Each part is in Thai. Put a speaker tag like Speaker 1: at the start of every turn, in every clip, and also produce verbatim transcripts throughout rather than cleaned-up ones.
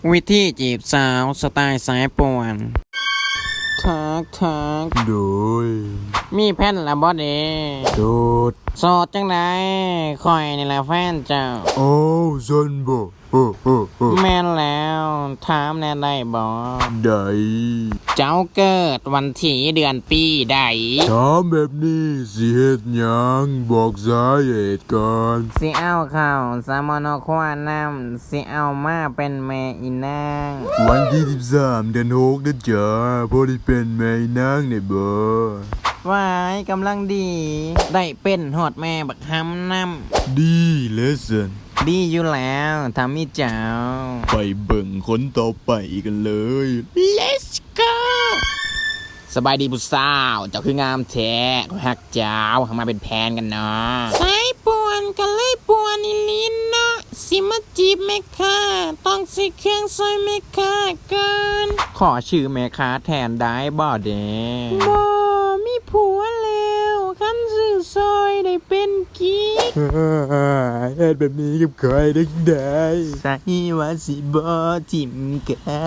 Speaker 1: วิธีจีบสาวสไตล์สายป่วนทักทัก
Speaker 2: โดย
Speaker 1: มีแผ่นละบ่เด้
Speaker 2: โดด
Speaker 1: โสดจังไดคอยนี่แหละแฟนเจ้า
Speaker 2: โอ้ซันบ่โอ้โอ้โอ้
Speaker 1: แม่นแล้วถามแน่ได้บ่
Speaker 2: ได
Speaker 1: เจ้าเกิดวันที่เดือนปีใด
Speaker 2: ถามแบบนี้สิเฮ็ดหยังบอกสาเหตุก่อน
Speaker 1: สิเอาข้าวสามอนอควานน้ำสิเอามาเป็นแม่อีนาง
Speaker 2: วันที่สิบสามเดือนหกนะจ๊ะพอได้เป็นแม่นางได้บ่
Speaker 1: วายกำลังดี ได้เป็นหอดแม่บักหำน้
Speaker 2: ดีเลสัน
Speaker 1: ำดีอยู่แล้วทำมีเจ้า
Speaker 2: ไปเบิ่งคนต่อไปกันเลย
Speaker 1: Let's go สบายดีผู้สาวเจ้าคืองามแท้ฮักเจ้าเข้ามาเป็นแพนกันเนาะสายป่วนกันเลยป่วนอีลินเนาะสิมาจีบแม่ค้าต้องสิเครื่องซอยแม่ค้ากันขอชื่อแม่ค้าแทนได้บ่เด้บ่มีผัวแล้วคันซื้อซอยได้เป็นกิ๊ก
Speaker 2: เฮ็ดแบบนี้กับใครได้ได้
Speaker 1: ใส่ว่าสิบ่ทิมกัน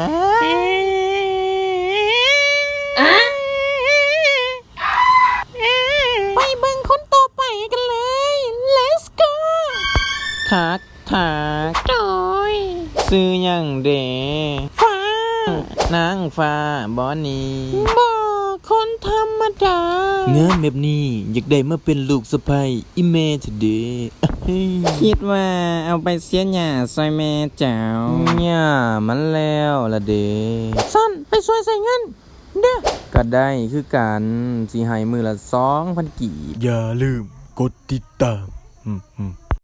Speaker 1: ไปเบิ่งคนต่อไปกันเลย let's go ทักทักจอยซื้อหยังเดฟ้านางฟ้าบอนี่บ่คนธรรมดางานแบบนี้อยากได้มาเป็นลูกสะใภ้อีเมทเดคิดว่าเอาไปเสียหญ้าซอยแม่เจ้าหญ้ามันแล้วละเดสั้นไปซอยใส่เงินเด้อก็ได้คือกันสิให้มือละสองพันกีบ
Speaker 2: อย่าลืมกดติดตามอืมอืม